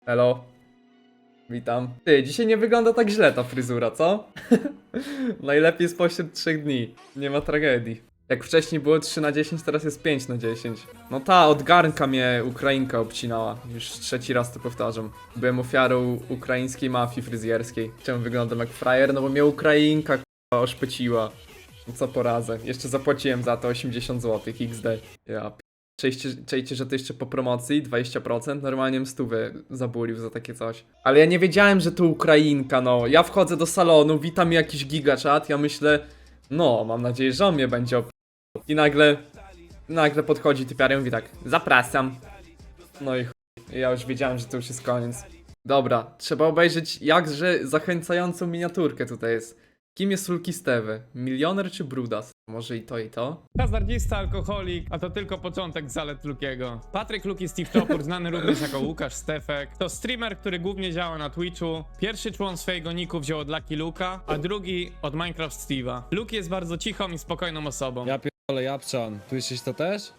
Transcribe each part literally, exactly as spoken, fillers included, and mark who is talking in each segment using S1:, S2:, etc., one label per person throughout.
S1: Hello. Witam. Ty, dzisiaj nie wygląda tak źle ta fryzura, co? Najlepiej spośród trzech dni. Nie ma tragedii. Jak wcześniej było trzy na dziesięć, teraz jest pięć na dziesięć. No ta, od garnka mnie Ukrainka obcinała. Już trzeci raz to powtarzam. Byłem ofiarą ukraińskiej mafii fryzjerskiej. Czemu wyglądam jak frajer? No bo mnie Ukrainka k***a oszpeciła. No co poradzę. Jeszcze zapłaciłem za to osiemdziesiąt złotych X D. Ja Czejcie, czejcie, że to jeszcze po promocji dwadzieścia procent, normalnie bym stówę zabulił za takie coś. Ale ja nie wiedziałem, że to Ukrainka, no. Ja wchodzę do salonu, witam mi jakiś gigaczat, ja myślę, no, mam nadzieję, że on mnie będzie op... I nagle, nagle podchodzi typiara i mówi tak, zapraszam. No i chuj, ja już wiedziałem, że to już jest koniec. Dobra, trzeba obejrzeć jakże zachęcającą miniaturkę tutaj jest. Kim jest Luki Steve? Milioner czy Brudas? Może i to i to?
S2: Hazardzista, alkoholik, a to tylko początek zalet Lukiego. Patryk Luki Steve Topór, znany również jako Łukasz Stefek, to streamer, który głównie działa na Twitchu. Pierwszy człon swojego niku wziął od Lucky Luka, a drugi od Minecraft Steve'a. Luki jest bardzo cichą i spokojną osobą.
S3: Ja pierdolę, Japczan. Słyszysz to też?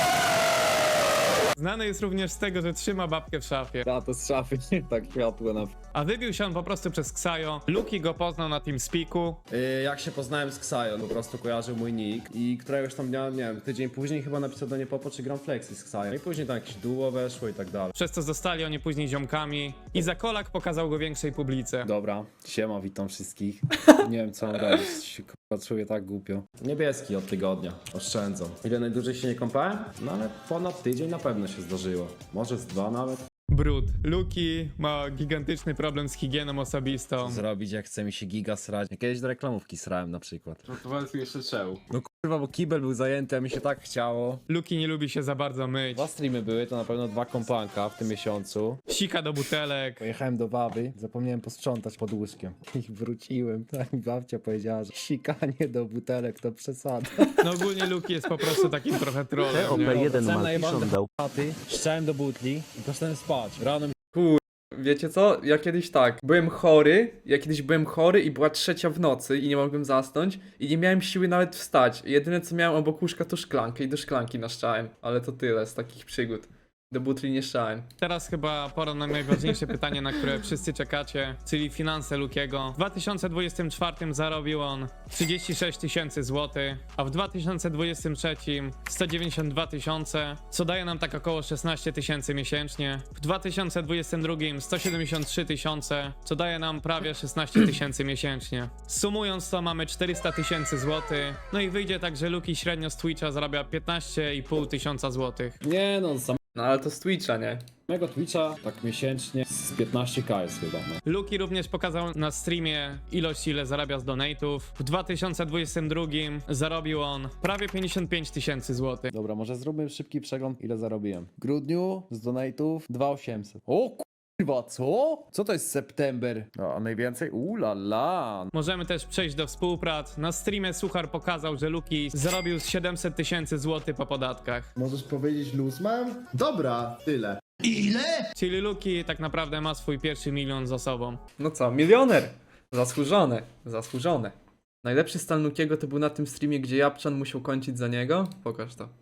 S2: Znany jest również z tego, że trzyma babkę w szafie.
S3: Ja to z szafy, nie tak światło na...
S2: A wybił się on po prostu przez Ksajo. Luki go poznał na TeamSpeaku.
S3: Yy, jak się poznałem z Ksajo, po prostu kojarzył mój nick i któregoś tam dnia, nie wiem, tydzień później chyba napisał do niej Popo, czy gram flexy z Ksajo. I później tam jakieś duo weszło i tak dalej.
S2: Przez co zostali oni później ziomkami. I za kolak pokazał go większej publice.
S3: Dobra, siema, witam wszystkich. Nie wiem co mam robić, się kurwa czuję tak głupio. Niebieski od tygodnia, oszczędzą. Ile najdłużej się nie kąpałem? No ale ponad tydzień na pewno się zdarzyło. Może z dwa nawet.
S2: Brud. Luki ma gigantyczny problem z higieną osobistą.
S3: Zrobić jak chce mi się giga srać. Ja kiedyś do reklamówki srałem na przykład.
S4: No to powiedz mi jeszcze czemu.
S3: No kurwa, bo kibel był zajęty, a mi się tak chciało.
S2: Luki nie lubi się za bardzo myć.
S3: Dwa streamy były, to na pewno dwa kompanka w tym miesiącu.
S2: Sika do butelek.
S3: Pojechałem do baby, zapomniałem posprzątać pod łóżkiem. I wróciłem, tak mi babcia powiedziała, że sikanie do butelek to przesada.
S2: No ogólnie Luki jest po prostu takim trochę trollem, nie?
S5: jeden
S3: Sam
S5: ma
S3: najebany
S5: dał.
S3: chaty, szczałem do butli i poszedłem spać. Rano mi
S1: Wiecie co? Ja kiedyś tak, byłem chory, ja kiedyś byłem chory i była trzecia w nocy i nie mogłem zasnąć i nie miałem siły nawet wstać. Jedyne co miałem obok łóżka to szklankę i do szklanki naszczałem. Ale to tyle z takich przygód. Do butli nie szczałem.
S2: Teraz chyba pora na najważniejsze pytanie, na które wszyscy czekacie, czyli finanse Lukiego. W dwa tysiące dwudziestym czwartym zarobił on trzydzieści sześć tysięcy złotych, a w dwa tysiące dwudziestym trzecim sto dziewięćdziesiąt dwa tysiące, co daje nam tak około szesnaście tysięcy miesięcznie. W dwa tysiące dwudziestym drugim sto siedemdziesiąt trzy tysiące, co daje nam prawie szesnaście tysięcy miesięcznie. Sumując to mamy czterysta tysięcy złotych, no i wyjdzie tak, że Luki średnio z Twitcha zarabia piętnaście i pół tysiąca złotych.
S3: Nie no, z
S1: No ale to z Twitcha, nie?
S3: samego Twitcha tak miesięcznie z piętnaście ka jest chyba. No.
S2: Luki również pokazał na streamie ilość, ile zarabia z donate'ów. W dwa tysiące dwudziestym drugim zarobił on prawie pięćdziesiąt pięć tysięcy złotych.
S3: Dobra, może zróbmy szybki przegląd, ile zarobiłem. W grudniu z donate'ów dwa tysiące osiemset. O kurwa, co? Co to jest september? No, a najwięcej? Ula la.
S2: Możemy też przejść do współprac. Na streamie Suchar pokazał, że Luki zarobił z siedemset tysięcy złotych po podatkach.
S6: Możesz powiedzieć luz mam? Dobra, tyle.
S2: Czyli Luki tak naprawdę ma swój pierwszy milion za sobą.
S1: No co, milioner! Zasłużone, zasłużone. Najlepszy stan Lukiego to był na tym streamie, gdzie Japczan musiał kończyć za niego? Pokaż to.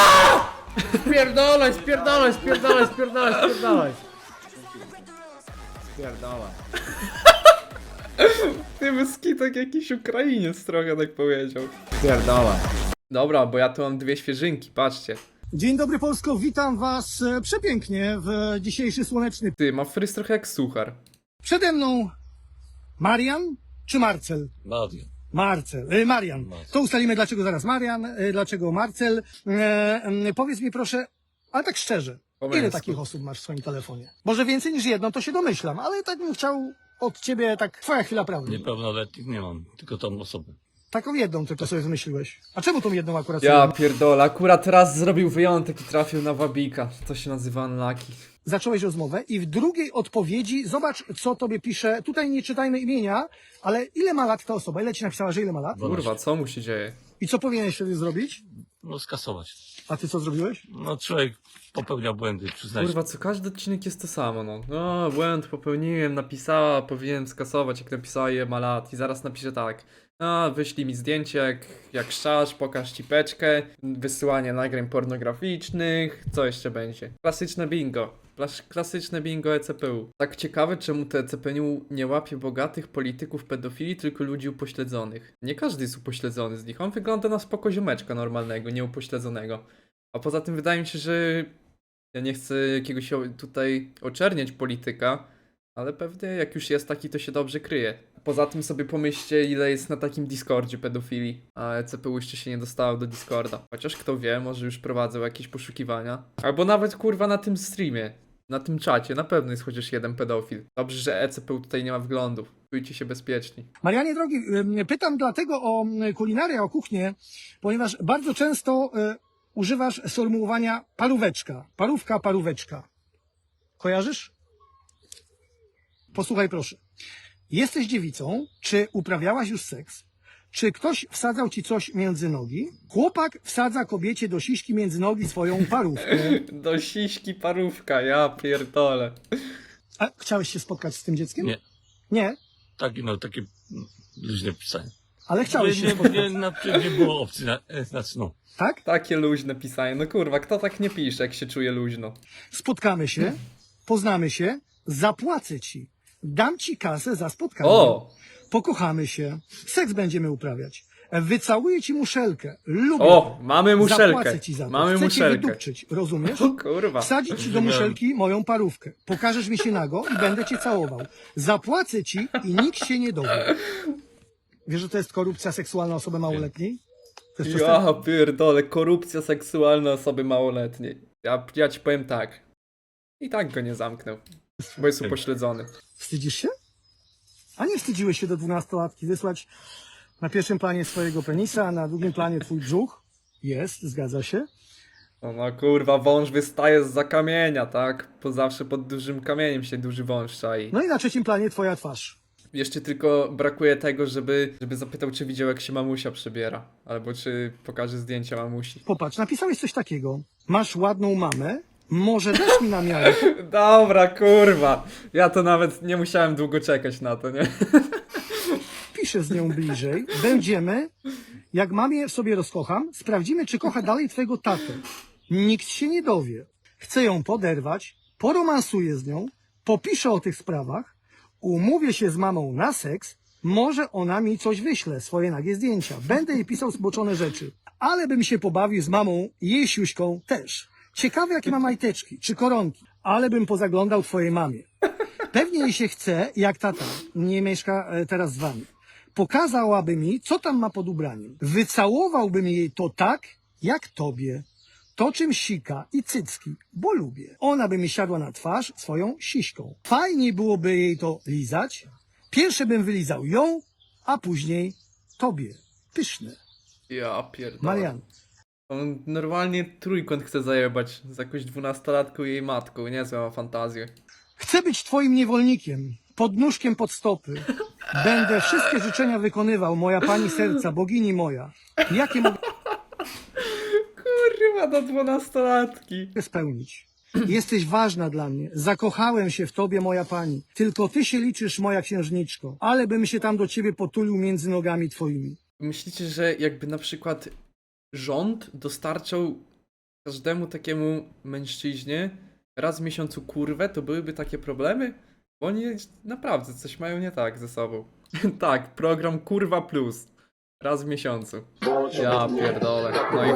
S3: Spierdolaj, spierdolaj, spierdolaj, spierdolaj, spierdolaj. Spierdolaj.
S1: Ty Myski tak jakiś Ukrainiec trochę tak powiedział.
S3: Spierdolaj.
S1: Dobra, bo ja tu mam dwie świeżynki, patrzcie.
S7: Dzień dobry Polsko, witam was e, przepięknie w dzisiejszy słoneczny.
S1: Ty, ma fryz trochę jak Suchar.
S7: Przede mną Marian czy Marcel?
S5: Marian.
S7: Marcel, e, Marian. To ustalimy dlaczego zaraz Marian, e, dlaczego Marcel. E, e, powiedz mi proszę, ale tak szczerze,
S1: Po
S7: ile
S1: męsku.
S7: takich osób masz w swoim telefonie? Może więcej niż jedną, to się domyślam, ale tak bym chciał od ciebie, tak twoja chwila prawdy.
S5: Niepełnoletnich nie mam, tylko tą osobę.
S7: Taką jedną tylko sobie wymyśliłeś. A czemu tą jedną akurat
S1: Ja
S7: sobie
S1: pierdolę, akurat raz zrobił wyjątek i trafił na Wabika. To się nazywa unlucky.
S7: zacząłeś rozmowę i w drugiej odpowiedzi zobacz, co tobie pisze. Tutaj nie czytajmy imienia, ale ile ma lat ta osoba? Ile ci napisała, że ile ma lat?
S1: Kurwa, co mu się dzieje?
S7: I co powinieneś wtedy zrobić?
S5: No skasować.
S7: A ty co zrobiłeś?
S5: No człowiek popełnia błędy, przyznaj.
S1: Kurwa, co każdy odcinek jest to samo, no. No, błęd popełniłem, napisała, powinienem skasować, jak napisała je ma lat. I zaraz napiszę tak. A, wyślij mi zdjęcie, jak, jak szczasz, pokaż cipeczkę, wysyłanie nagrań pornograficznych, co jeszcze będzie? Klasyczne bingo. Plas- Klasyczne bingo E C P U. Tak ciekawe, czemu to E C P U nie łapie bogatych polityków pedofili, tylko ludzi upośledzonych. Nie każdy jest upośledzony z nich. On wygląda na spoko ziomeczka normalnego, nieupośledzonego. A poza tym wydaje mi się, że ja nie chcę jakiegoś o- tutaj oczerniać polityka, ale pewnie jak już jest taki, to się dobrze kryje. Poza tym sobie pomyślcie, ile jest na takim Discordzie pedofili, a E C P U jeszcze się nie dostało do Discorda. Chociaż kto wie, może już prowadzą jakieś poszukiwania. Albo nawet kurwa na tym streamie, na tym czacie, na pewno jest chociaż jeden pedofil. Dobrze, że E C P U tutaj nie ma wglądów. Czujcie się bezpieczni.
S7: Marianie drogi, ym, pytam dlatego o y, kulinarię, o kuchnię, ponieważ bardzo często y, używasz sformułowania paróweczka. Parówka, paróweczka. Kojarzysz? Posłuchaj proszę. Jesteś dziewicą, czy uprawiałaś już seks? Czy ktoś wsadzał ci coś między nogi? Chłopak wsadza kobiecie do siśki między nogi swoją parówkę.
S1: Do siśki parówka, ja pierdolę.
S7: A chciałeś się spotkać z tym dzieckiem?
S5: Nie.
S7: Nie,
S5: Takie, no, takie mm, luźne pisanie.
S7: ale chciałeś się
S5: Nie, nie,
S7: spotkać.
S5: nie, na, nie było opcji, na, e, znaczy no.
S7: Tak?
S1: Takie luźne pisanie. No kurwa, kto tak nie pisze, jak się czuje luźno?
S7: Spotkamy się, poznamy się, zapłacę ci. Dam ci kasę za spotkanie.
S1: O!
S7: Pokochamy się, seks będziemy uprawiać. Wycałuję ci muszelkę. Lubię
S1: O!
S7: to.
S1: Mamy muszelkę.
S7: Zapłacę ci za to.
S1: Mamy
S7: Chcę cię
S1: muszelkę.
S7: wydupczyć, rozumiesz?
S1: O kurwa.
S7: Wsadzić ci do muszelki moją parówkę. Pokażesz mi się nago i będę cię całował. Zapłacę ci i nikt się nie dowie. Wiesz, że to jest korupcja seksualna osoby małoletniej? To jest przestępstwo.
S1: Ja pierdolę, korupcja seksualna osoby małoletniej. Ja, ja ci powiem tak. I tak go nie zamknął. Bo jest upośledzony.
S7: Wstydzisz się? A nie wstydziłeś się do dwunastolatki wysłać na pierwszym planie swojego penisa, a na drugim planie twój brzuch? Jest, zgadza się.
S1: No, no kurwa, wąż wystaje z kamienia, tak? Bo zawsze pod dużym kamieniem się duży wąż czai.
S7: No i na trzecim planie twoja twarz.
S1: Jeszcze tylko brakuje tego, żeby, żeby zapytał, czy widział, jak się mamusia przebiera. Albo czy pokaże zdjęcia mamusi.
S7: Popatrz, napisałeś coś takiego. Masz ładną mamę, może dasz mi na miarę.
S1: Dobra, kurwa. Ja to nawet nie musiałem długo czekać na to, nie?
S7: Piszę z nią bliżej. Będziemy, jak mamie sobie rozkocham, sprawdzimy, czy kocha dalej twojego tatę. Nikt się nie dowie. Chcę ją poderwać, poromansuję z nią, popiszę o tych sprawach, umówię się z mamą na seks, może ona mi coś wyśle, swoje nagie zdjęcia. Będę jej pisał zboczone rzeczy. Ale bym się pobawił z mamą i jej siuśką też. Ciekawe, jakie ma majteczki, czy koronki. Ale bym pozaglądał twojej mamie. Pewnie jej się chce, jak tata nie mieszka e, teraz z wami. Pokazałaby mi, co tam ma pod ubraniem. Wycałowałbym jej to tak, jak tobie. To czym sika i cycki, bo lubię. Ona by mi siadła na twarz swoją siśką. Fajniej byłoby jej to lizać. Pierwsze bym wylizał ją, a później tobie. Pyszne.
S1: Ja pierdolę.
S7: Marian,
S1: On normalnie trójkąt chce zajebać z jakąś dwunastolatką i jej matką. Niezłe ma fantazję.
S7: chcę być twoim niewolnikiem, pod nóżkiem pod stopy. Będę wszystkie życzenia wykonywał, moja pani serca, bogini moja. Jakie mogę
S1: Kurwa, do dwunastolatki.
S7: spełnić? Jesteś ważna dla mnie. Zakochałem się w tobie, moja pani. Tylko ty się liczysz, moja księżniczko. Ale bym się tam do ciebie potulił między nogami twoimi.
S1: Myślicie, że jakby na przykład rząd dostarczał każdemu takiemu mężczyźnie raz w miesiącu kurwę, to byłyby takie problemy? Bo oni naprawdę coś mają nie tak ze sobą. Tak, program Kurwa Plus. Raz w miesiącu. Ja pierdolę. No i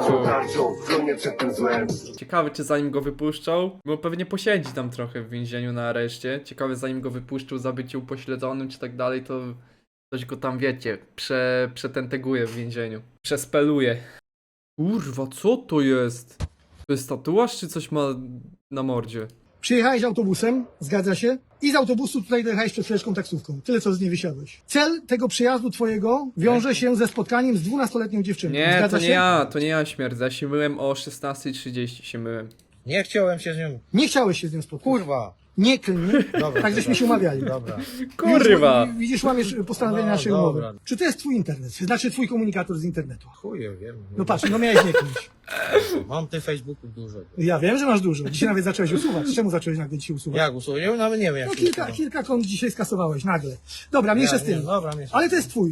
S1: chuj. Ciekawe, czy zanim go wypuszczą, bo pewnie posiedzi tam trochę w więzieniu na areszcie. Ciekawe, zanim go wypuszczą za bycie upośledzonym czy tak dalej, to ktoś go tam, wiecie, prze, przetenteguje w więzieniu. Przespeluje. Kurwa, co to jest? To jest tatuaż, czy coś ma na mordzie?
S7: Przyjechałeś autobusem, zgadza się? I z autobusu tutaj dojechałeś przed chwileczką taksówką. Tyle, co z niej wysiadłeś. Cel tego przyjazdu twojego wiąże się ze spotkaniem z dwunastoletnią dziewczyną.
S1: Nie,
S7: Zgadza
S1: to nie
S7: się?
S1: ja, to nie ja śmierdzę. Ja się myłem o szesnastej trzydzieści się myłem.
S4: Nie chciałem się z nią.
S7: Nie chciałeś się z nią spotkać.
S4: Kurwa.
S7: Nie klnij.
S4: Dobra,
S7: Tak żeśmy
S4: dobra.
S7: się umawiali.
S4: Dobra.
S1: Kurwa!
S7: Widzisz, widzisz łamiesz postanowienia
S4: No,
S7: naszej
S4: dobra.
S7: umowy. Czy to jest twój internet? Znaczy twój komunikator z internetu?
S4: Chuję, wiem.
S7: No patrz, no miałeś nie klnić.
S4: Mam tych Facebooków dużo.
S7: Ja wiem, że masz dużo. Dzisiaj nawet zacząłeś usuwać. Czemu zacząłeś nagle dzisiaj usuwać?
S4: Jak usuję? Nawet nie wiem jak
S7: No
S4: się
S7: kilka,
S4: usuwa.
S7: kilka kont dzisiaj skasowałeś nagle. Dobra, mniejsza
S4: Ja,
S7: z tym.
S4: nie, dobra, mniejsza.
S7: Ale to jest twój.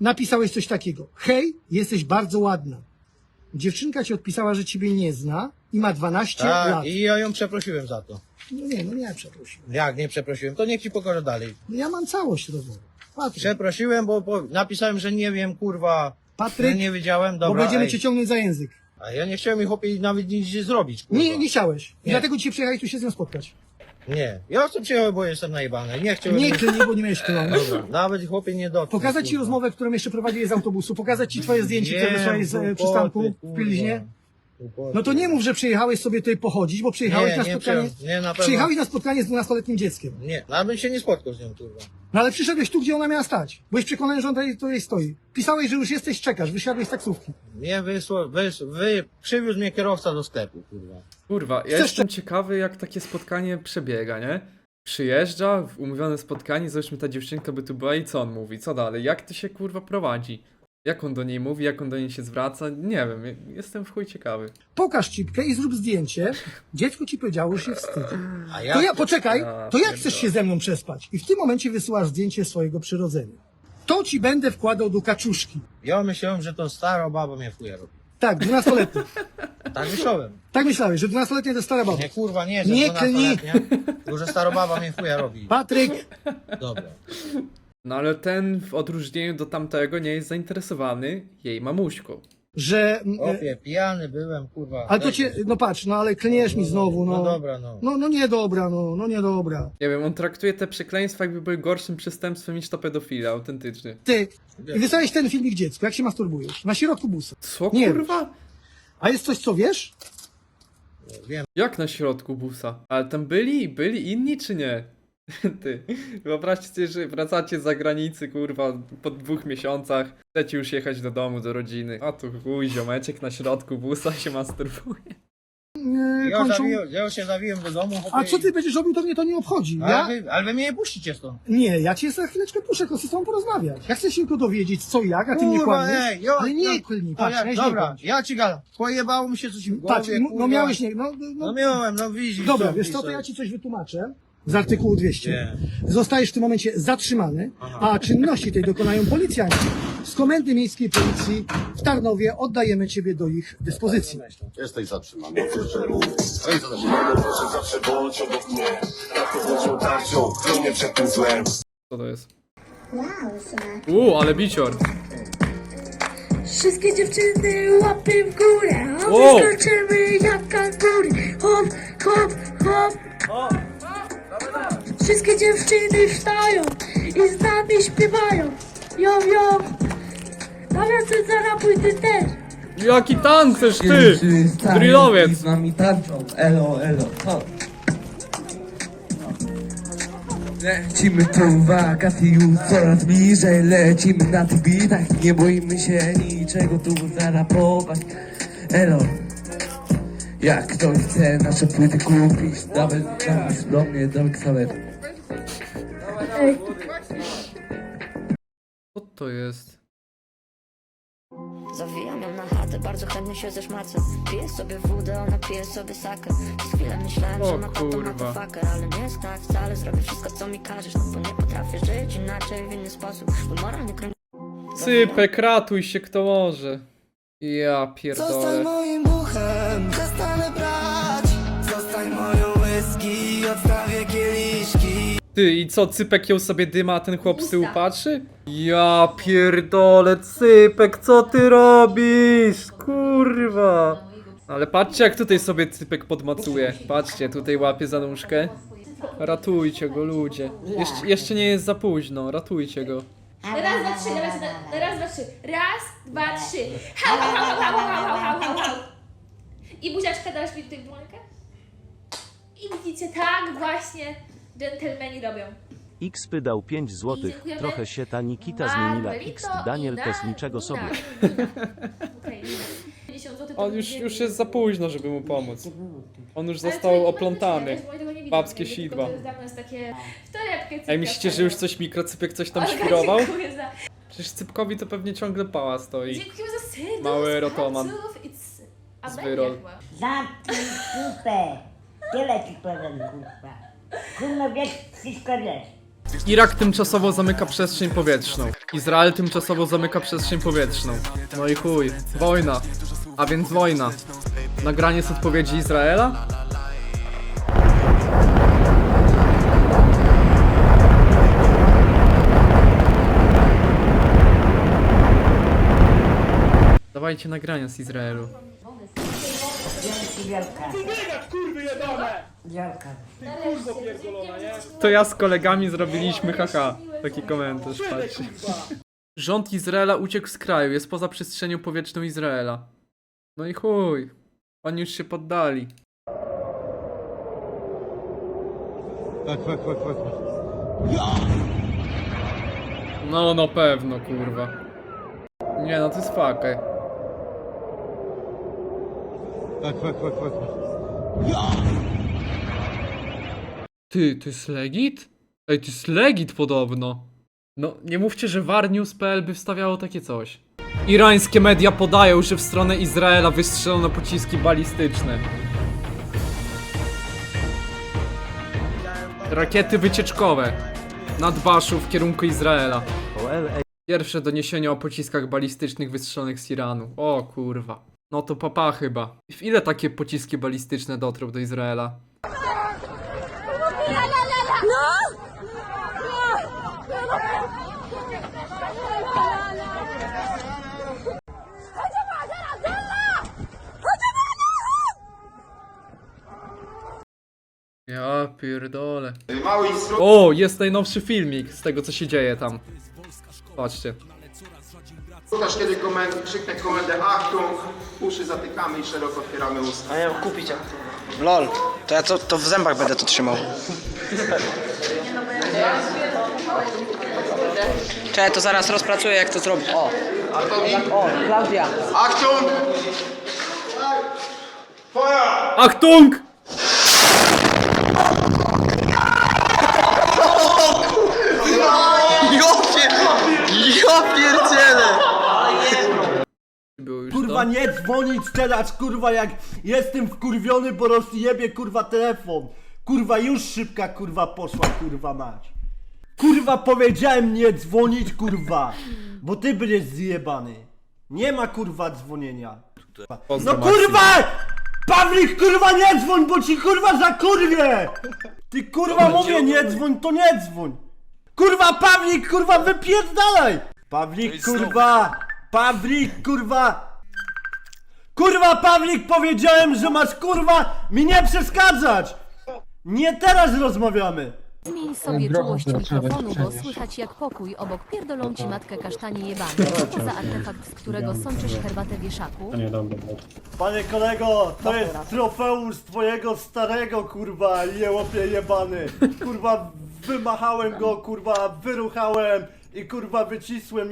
S7: Napisałeś coś takiego. Hej, jesteś bardzo ładna. Dziewczynka ci odpisała, że ciebie nie zna, i ma dwanaście
S4: Tak,
S7: lat.
S4: i ja ją przeprosiłem za to.
S7: No nie, no nie przeprosiłem.
S4: Jak nie przeprosiłem, to niech ci pokaże dalej.
S7: No ja mam całość rozmowy. Patryk,
S4: Przeprosiłem, bo, bo napisałem, że nie wiem, kurwa.
S7: Patryk,
S4: że nie wiedziałem,
S7: bo
S4: dobra.
S7: będziemy
S4: ej.
S7: cię ciągnąć za język.
S4: A ja nie chciałem ich chłopie nawet nic zrobić, kurwa.
S7: Nie, nie chciałeś. I
S4: Nie.
S7: dlatego dzisiaj przyjechałeś tu się z nią spotkać.
S4: Nie. Ja chcę przyjechać, bo jestem najebany. Nie chciałem...
S7: Nie klnij, bo nie miałeś klonu.
S4: Dobra, nawet chłopie nie dotknął.
S7: Pokazać ci
S4: kurwa.
S7: rozmowę, którą jeszcze prowadziłeś z autobusu, pokazać ci twoje zdjęcie, które
S4: Nie,
S7: wysłałeś z e,
S4: głupoty,
S7: przystanku w
S4: kurwa.
S7: Pilźnie.
S4: Głupoty.
S7: No to nie mów, że przyjechałeś sobie tutaj pochodzić, bo przyjechałeś
S4: Nie,
S7: na
S4: nie
S7: spotkanie.
S4: przyjechałem. Nie, na pewno.
S7: Przyjechałeś na spotkanie z dwunastoletnim dzieckiem.
S4: Nie, nawet bym się nie spotkał z nią, kurwa.
S7: No ale przyszedłeś tu, gdzie ona miała stać. Byłeś przekonany, że ona tutaj, tutaj stoi. Pisałeś, że już jesteś, czekasz, wysiadłeś z taksówki.
S4: Nie wysło, wys, wy, przywiózł mnie kierowca do sklepu, kurwa.
S1: Kurwa, ja
S7: Chcesz
S1: jestem ciekawy, jak takie spotkanie przebiega, nie? Przyjeżdża, w umówione spotkanie, załóżmy ta dziewczynka by tu była i co on mówi? Co dalej? Jak to się kurwa prowadzi? Jak on do niej mówi, jak on do niej się zwraca? Nie wiem, jestem w chuj ciekawy.
S7: Pokaż cipkę i zrób zdjęcie. Dziecko ci powiedziało, że się wstydzi.
S4: A ja...
S7: To ja, poczekaj,
S1: Ja
S7: to jak
S1: pierdolę.
S7: chcesz się ze mną przespać? I w tym momencie wysyłasz zdjęcie swojego przyrodzenia. To ci będę wkładał do kaczuszki.
S4: Ja myślałem, że tą starą babą mnie chuja robi.
S7: Tak, dwunastoletni.
S4: Tak myślałem.
S7: Tak myślałeś, że dwunastoletnia to jest stara baba.
S4: Nie, kurwa, nie, że
S7: Nie
S4: dwunastoletnia, tylko że stara baba mnie chuja robi.
S7: Patryk,
S4: Dobra.
S1: No ale ten w odróżnieniu do tamtego nie jest zainteresowany jej mamuśką.
S7: że... mm, e,
S4: Opie, pijany byłem, kurwa.
S7: Ale to
S4: Weź
S7: cię,
S4: mnie.
S7: no patrz, no ale klniesz mi znowu, no.
S4: No dobra, no.
S7: No, no nie dobra, no, no nie dobra.
S1: Nie wiem, on traktuje te przekleństwa jakby były gorszym przestępstwem niż to pedofila, autentycznie.
S7: Ty, i wysłałeś ten filmik dziecku, jak się masturbujesz? Na środku busa.
S1: Co
S7: Nie
S1: kurwa?
S7: A jest coś, co wiesz?
S4: Wiem.
S1: Jak na środku busa? Ale tam byli? Byli inni czy nie? Ty, wyobraźcie sobie, że wracacie z zagranicy, kurwa, po dwóch miesiącach, chcecie już jechać do domu, do rodziny. A tu chuj, ziomeczek na środku busa się masturbuje.
S7: Nie,
S4: Ja,
S7: kończą...
S4: zawiłem, ja się zawiłem do domu, chłopie,
S7: A co ty
S4: i-
S7: będziesz robił, to mnie to nie obchodzi.
S4: Ale,
S7: Ja?
S4: wy, ale wy mnie nie puścicie stąd.
S7: Nie, ja cię za chwileczkę puszczę, chcę z tobą porozmawiać. Ja chcę się tylko dowiedzieć, co i jak, a ty mnie
S4: Kurwa,
S7: kłamiesz.
S4: ej, jo,
S7: Ale nie
S4: jo,
S7: klnij,
S4: no
S7: patrz,
S4: jak,
S7: weź
S4: dobra,
S7: nie kłamać.
S4: ja ci gadam. Pojebało mi się coś w głowie,
S7: Patrz, no, no
S4: kurwa.
S7: miałeś nie, no, no,
S4: No miałem, no widzisz.
S7: Dobra,
S4: co
S7: wiesz co, to
S4: pisał.
S7: ja ci coś wytłumaczę. Z artykułu dwieście.
S4: Nie.
S7: Zostajesz w tym momencie zatrzymany, a czynności tej dokonają policjanci. Z Komendy Miejskiej Policji w Tarnowie oddajemy ciebie do ich dyspozycji.
S6: Jesteś zatrzymany. Jesteś zatrzymany, proszę zawsze bądź obok mnie. Tak to włączą tarczą, chronię przed tym złem.
S1: Co to jest? Uuu, ale bicior.
S8: Wszystkie dziewczyny łapy w górę, a
S1: Wow.
S8: wyskoczymy jak kangury. Hop, hop, hop. Wszystkie dziewczyny wstają i z nami śpiewają. Jo, jo. Nawiasem zarapuj ty też.
S1: Jaki tancerz, ty! Drillowiec!
S9: Z nami tarczą, elo, elo, ho. Lecimy tu wakacje już coraz bliżej. Lecimy na tych bitach, nie boimy się niczego tu zarapować. Elo, jak ktoś chce nasze płyty kupić, nawet napisz do mnie do Xaveru.
S1: Co to jest?
S10: Zawijam ją na chatę, bardzo chętnie się zeszmacę. Piję sobie wódę, ona pije sobie sakę. Przez chwilę myślałem,
S1: O
S10: że ma tato na
S1: kurwa.
S10: to faker, ale nie jest tak wcale. Zrobię wszystko, co mi każesz, no bo nie potrafię żyć inaczej, w inny sposób. Mój moralny kręg...
S1: Sypek, ratuj się kto może. Ja pierdolę.
S9: moim duchem, przestanę brać. Zostań moją whisky, odstawię kieliszki.
S1: Ty, i co, Cypek ją sobie dyma, a ten chłop z tyłu patrzy? Ja pierdolę, Cypek, co ty robisz? Kurwa. Ale patrzcie, jak tutaj sobie Cypek podmacuje. Patrzcie, tutaj łapie za nóżkę. Ratujcie go, ludzie. Jeszcze, jeszcze nie jest za późno, ratujcie go.
S8: Raz, dwa, trzy, raz, dwa, raz, dwa, trzy. Raz, dwa, trzy. Hał, hał, hał, hał, hał, hał, hał, hał, hał. I buziaczka dasz mi tutaj dłońkę? I widzicie, tak właśnie dżentelmeni robią.
S11: X dał pięć złotych,
S8: Dziękujemy.
S11: trochę się ta Nikita zmieniła.
S8: Marvelito,
S11: X Daniel
S8: Ina,
S11: też niczego
S8: Nina,
S11: sobie.
S8: Nina. Okej, Nina. pięćdziesiąt złotych to
S1: On już,
S8: będzie-
S1: już jest za późno, żeby mu pomóc. On już
S8: Ale
S1: został
S8: to nie
S1: oplątany.
S8: powinno być, ja tego nie widzę,
S1: Babskie
S8: tylko
S1: sidła.
S8: to jest dla nas takie w torebkę cypka
S1: Ej, myślicie, że już coś mikrocypek coś tam świrował?
S8: Dziękuję za...
S1: Przecież Cypkowi to pewnie ciągle pała stoi.
S8: Dziękuję za serdusz,
S1: Mały rotoman.
S8: palców. It's
S1: Z
S8: Amelia
S1: wyrol.
S8: chyba.
S12: Zamknij kupę. Tyle ci powiem, kurwa. Kurwa, wiesz, wszystko wiesz.
S1: Irak tymczasowo zamyka przestrzeń powietrzną. Izrael tymczasowo zamyka przestrzeń powietrzną. No i chuj. Wojna. A więc wojna. Nagranie z odpowiedzi Izraela? Dawajcie nagrania z Izraelu.
S12: Dzięki wielka. Wielka.
S1: To ja z kolegami zrobiliśmy haha. Taki komentarz, patrzcie. Rząd Izraela uciekł z kraju, jest poza przestrzenią powietrzną Izraela. No i chuj. Oni już się poddali. No, na pewno, kurwa. Nie, no to jest fakej. Ty, to jest legit? Ej, to jest legit podobno. No, nie mówcie, że warnews kropka p l by wstawiało takie coś. Irańskie media podają, że w stronę Izraela wystrzelono pociski balistyczne. Rakiety wycieczkowe. Nad Baszu w kierunku Izraela. Pierwsze doniesienia o pociskach balistycznych wystrzelonych z Iranu. O kurwa. No to papa chyba. W ile takie pociski balistyczne dotrą do Izraela? Ja pierdolę. O, jest najnowszy filmik z tego, co się dzieje tam. Patrzcie.
S6: Słuchasz kiedy komendy, krzyknę komendę Achtung, uszy zatykamy i szeroko otwieramy usta.
S4: A ja kupić jak lol, to ja to, to w zębach będę to trzymał. Czekaj, to zaraz rozpracuję jak to zrobić. O, o, Klaudia.
S6: Achtung! Feuer!
S1: Achtung!
S4: Ja pierdzielę!
S1: Było już
S7: Kurwa
S1: to?
S7: nie dzwonić teraz, kurwa, jak jestem wkurwiony, bo rozjebie kurwa telefon. Kurwa już szybka kurwa poszła, kurwa mać. Kurwa powiedziałem nie dzwonić, kurwa, bo ty będziesz zjebany. Nie ma kurwa dzwonienia. No
S1: Pozdro,
S7: kurwa! Pawlik kurwa nie dzwoń, bo ci kurwa zakurwię! Ty kurwa mówię nie dzwoń, to nie dzwoń. Kurwa Pawlik kurwa wypierdalaj! Pawlik kurwa! Pawlik kurwa! Kurwa Pawlik powiedziałem, że masz kurwa mi nie przeszkadzać! Nie teraz rozmawiamy!
S13: Zmień sobie czułość mikrofonu, bo słychać jak pokój obok pierdolą ci matkę kasztanie jebane. Co to za artefakt, z którego sączysz herbatę wieszaku?
S7: Panie kolego, to jest trofeum z twojego starego kurwa jełopie jebany. Kurwa wymachałem go, kurwa wyruchałem i kurwa wycisłem